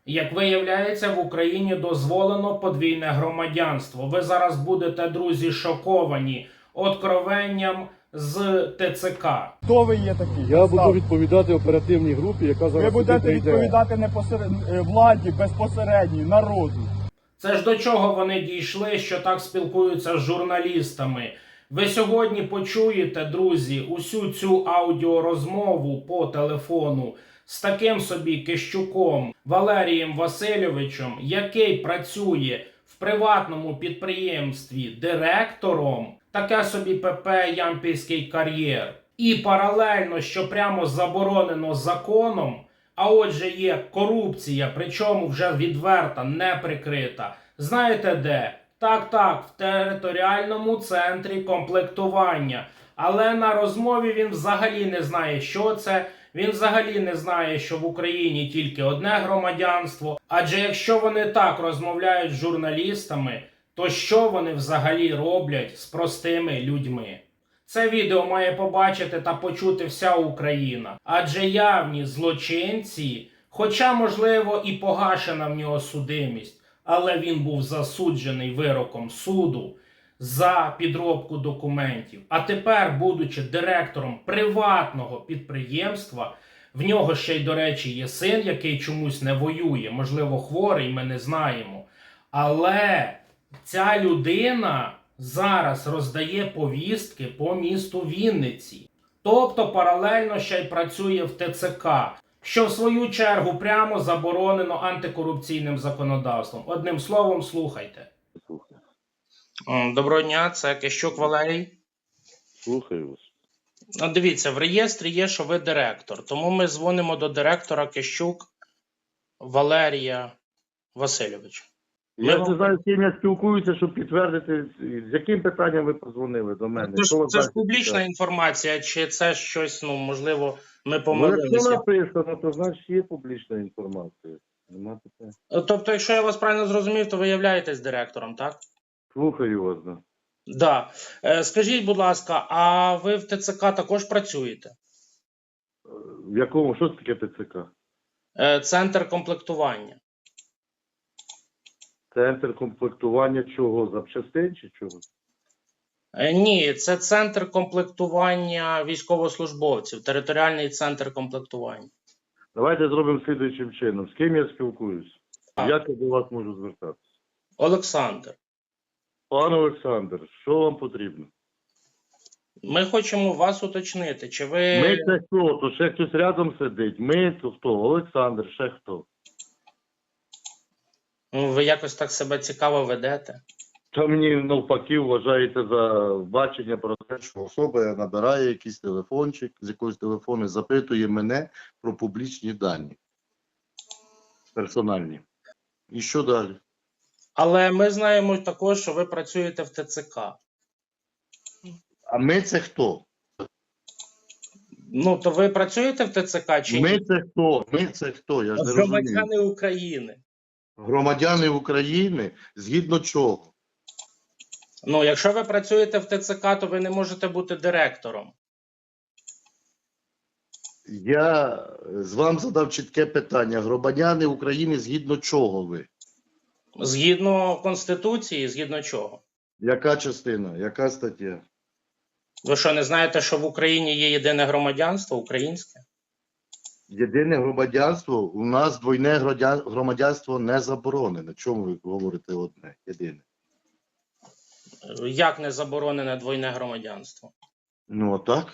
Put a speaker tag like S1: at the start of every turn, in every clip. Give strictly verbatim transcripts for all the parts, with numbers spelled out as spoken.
S1: Як виявляється, в Україні дозволено подвійне громадянство. Ви зараз будете, друзі, шоковані откровенням з ТЦК.
S2: Хто ви є такі?
S3: Я буду відповідати оперативній групі, яка
S2: Ви
S3: зараз сюди
S2: будете
S3: прийде.
S2: відповідати не посеред... е, владі безпосередньо, народу.
S1: Це ж до чого вони дійшли, що так спілкуються з журналістами. Ви сьогодні почуєте, друзі, усю цю аудіорозмову по телефону з таким собі Кищуком Валерієм Васильовичем, який працює в приватному підприємстві директором, таке собі ПП «Ямпільський кар'єр». І паралельно, що прямо заборонено законом, а отже є корупція, причому вже відверта, не прикрита. Знаєте де? Так-так, в територіальному центрі комплектування. Але на розмові він взагалі не знає, що це. Він взагалі не знає, що в Україні тільки одне громадянство. Адже якщо вони так розмовляють з журналістами, то що вони взагалі роблять з простими людьми? Це відео має побачити та почути вся Україна. Адже явні злочинці, хоча, можливо, і погашена в нього судимість, але він був засуджений вироком суду за підробку документів. А тепер, будучи директором приватного підприємства, в нього ще й, до речі, є син, який чомусь не воює, можливо, хворий, ми не знаємо. Але ця людина зараз роздає повістки по місту Вінниці. Тобто паралельно ще й працює в ТЦК, що в свою чергу прямо заборонено антикорупційним законодавством. Одним словом, слухайте.
S3: Слухаю.
S1: Доброго дня, це Кищук Валерій.
S3: Слухаю вас.
S1: Ну, дивіться, в реєстрі є, що ви директор. Тому ми дзвонимо до директора Кищук Валерія Васильовича.
S3: Я не знаю, з ким я спілкуюся, щоб підтвердити, з яким питанням ви позвонили до мене.
S1: Це ж,
S3: Що ви
S1: це ж
S3: бачите?
S1: публічна інформація, чи це щось, ну, можливо, ми
S3: Ну, якщо
S1: помилилися?
S3: написано, то значить є публічна інформація. Нема питань.
S1: Тобто, якщо я вас правильно зрозумів, то ви являєтесь директором, так?
S3: Слухаю вас, да.
S1: Да. Е, скажіть, будь ласка, а ви в ТЦК також працюєте?
S3: В якому, що це таке ТЦК?
S1: Е, центр комплектування.
S3: Центр комплектування чого? Запчастин чи чого?
S1: Е, ні, це центр комплектування військовослужбовців, територіальний центр комплектування.
S3: Давайте зробимо слідуючим чином. З ким я спілкуюсь?
S1: Так.
S3: Як я до вас можу звертатися?
S1: Олександр,
S3: Пан Олександр, що вам потрібно?
S1: ми хочемо вас уточнити, чи ви...
S3: Ми це хто? То ще хтось рядом сидить. Ми то хто? Олександр, ще хто?
S1: Ну, ви якось так себе цікаво ведете?
S3: Та мені навпаки вважаєте за бачення про те, що особа набирає якийсь телефончик з якогось телефону і запитує мене про публічні дані. Персональні. І що далі?
S1: Але ми знаємо також, що ви працюєте в ТЦК.
S3: А ми це хто?
S1: Ну, то ви працюєте в ТЦК чи
S3: Ми
S1: ні?
S3: це хто? Ми це хто? Я ж не розумію.
S1: Громадяни України.
S3: Громадяни України згідно чого?
S1: Ну, якщо ви працюєте в ТЦК, то ви не можете бути директором.
S3: Я з вам задав чітке питання. Громадяни України згідно чого ви?
S1: Згідно Конституції, згідно чого?
S3: Яка частина? Яка стаття?
S1: Ви що, не знаєте, що в Україні є єдине громадянство українське?
S3: Єдине громадянство, у нас двойне громадян- громадянство не заборонене. Чому ви говорите одне? Єдине.
S1: Як не заборонене двойне громадянство?
S3: Ну, отак.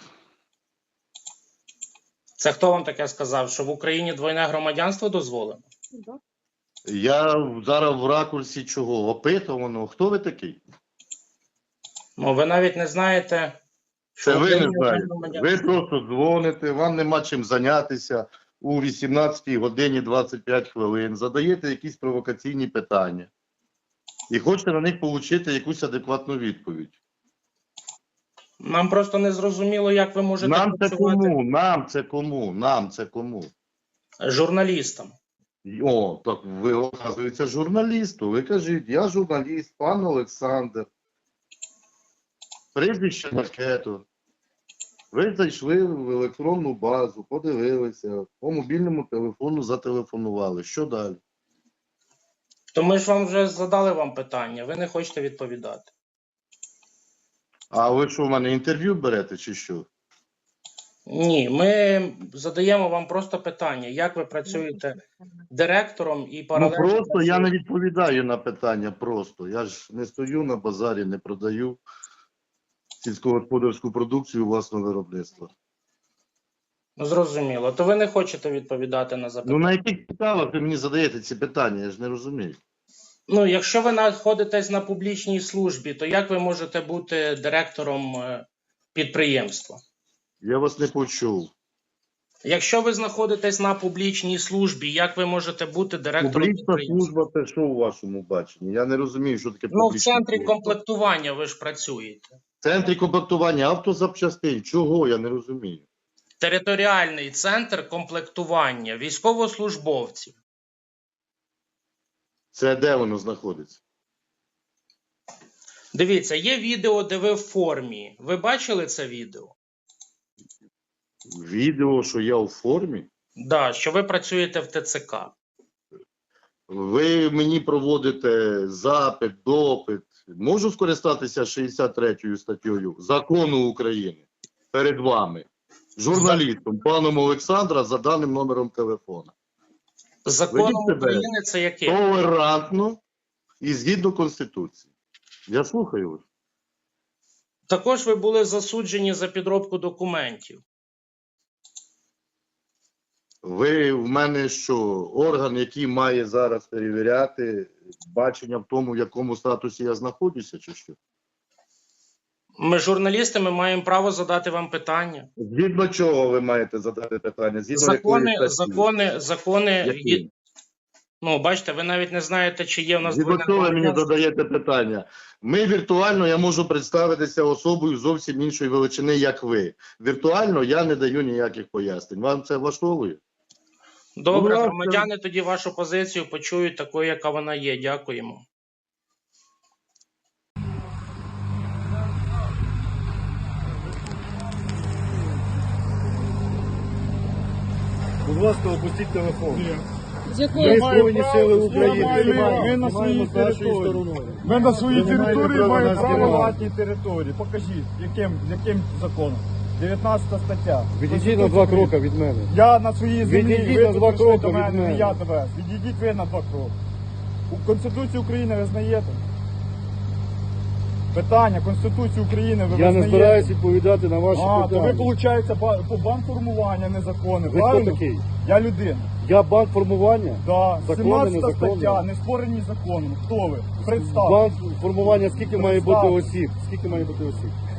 S1: Це хто вам таке сказав, що в Україні двойне громадянство дозволено?
S3: Я зараз в ракурсі чого? Опитуваного. Хто ви такий?
S1: Ну, ви навіть не знаєте, що
S3: Це
S1: в
S3: ви не
S1: Україні двойне
S3: знаєте.
S1: громадянство.
S3: Ви просто дзвоните, вам нема чим зайнятися у вісімнадцятій годині двадцять п'ять хвилин, задаєте якісь провокаційні питання і хочете на них отримати якусь адекватну відповідь.
S1: Нам просто не зрозуміло, як ви можете
S3: Нам це
S1: працювати
S3: кому? Нам це кому? Нам це кому?
S1: журналістам.
S3: О, так ви, оказується, журналісту. Ви кажіть, я журналіст, пан Олександр. Прізвище Макето. Ви зайшли в електронну базу, подивилися, по мобільному телефону зателефонували. Що далі?
S1: То ми ж вам вже задали вам питання, ви не хочете відповідати.
S3: А ви що, в мене інтерв'ю берете чи що?
S1: Ні, ми задаємо вам просто питання, як ви працюєте директором і
S3: Ну
S1: паралельно...
S3: просто я не відповідаю на питання просто. Я ж не стою на базарі, не продаю сільськогосподарську продукцію власного виробництва.
S1: Ну, зрозуміло. То ви не хочете відповідати на
S3: Ну
S1: запитання.
S3: на яких підставах ви мені задаєте ці питання, я ж не розумію.
S1: Ну, якщо ви знаходитесь на публічній службі, то як ви можете бути директором е, підприємства?
S3: Я вас не почув.
S1: Якщо ви знаходитесь на публічній службі, як ви можете бути директором
S3: Публічна
S1: підприємства?
S3: служба це що у вашому баченні? Я не розумію, що таке
S1: Ну, в
S3: публічна
S1: центрі
S3: служба.
S1: комплектування ви ж працюєте.
S3: В центрі комплектування автозапчастин. Чого? Я не розумію.
S1: Територіальний центр комплектування військовослужбовців.
S3: Це де воно знаходиться?
S1: Dивіться, є відео, де ви в формі. Ви бачили це відео?
S3: Відео, що я у формі?
S1: Да, що ви працюєте в ТЦК.
S3: Ви мені проводите запит, допит. Можу скористатися шістдесят третьою статтею Закону України перед вами, журналістом, паном Олександра, за даним номером телефона.
S1: Законом
S3: Ведіть себе
S1: України це яке?
S3: толерантно і згідно Конституції. Я слухаю вас.
S1: Також ви були засуджені за підробку документів.
S3: Ви в мене що, орган, який має зараз перевіряти бачення в тому, в якому статусі я знаходжуся, чи що?
S1: Ми, журналісти, ми маємо право задати вам питання.
S3: Згідно чого ви маєте задати питання? Згідно
S1: Закони,
S3: якої статті?
S1: закони, закони,
S3: Які?
S1: є- ну, бачите, ви навіть не знаєте, чи є в нас
S3: Згідно
S1: двойне
S3: чого ви мені
S1: громадянство.
S3: задаєте питання? Ми віртуально, я можу представитися особою зовсім іншої величини, як ви. Віртуально я не даю ніяких пояснень. Вам це влаштовує?
S1: Добре,
S3: Будь ласка.
S1: громадяни тоді вашу позицію почують такою, яка вона є. Дякуємо.
S2: Будь ласка, опустіть телефон.
S4: З
S2: Ми
S4: якої
S2: Збройні сили України.
S5: Ми- ми на своїй території. Ми на своїй
S2: Ви не маєте
S5: території
S2: права
S5: маємо
S2: нас
S5: право
S2: керувати.
S5: на власній території. Покажіть, яким, яким законом? дев'ятнадцята стаття.
S2: Відійдіть на два кроки від мене.
S5: Я на своїй землі,
S2: Відійдіть
S5: ви
S2: на
S5: тут
S2: два
S5: прийшли
S2: кроки
S5: до
S2: від
S5: мене,
S2: мене.
S5: не я до вас. Відійдіть ви на два кроки. У Конституцію України ви знаєте? Питання Конституції України ви
S2: Я не
S5: визнаєте?
S2: збираюсь відповідати на ваші
S5: А, то ви,
S2: питання.
S5: виходить, по банформування незаконне,
S2: Ви хто
S5: правильно?
S2: такий?
S5: Я людина.
S2: Я банк формування.
S5: Да.
S2: Законне,
S5: сімнадцята
S2: незаконне?
S5: стаття, не створені законом. Хто ви? Представте.
S2: Банк формування скільки має бути
S5: Представте.
S2: осіб? Скільки має бути осіб?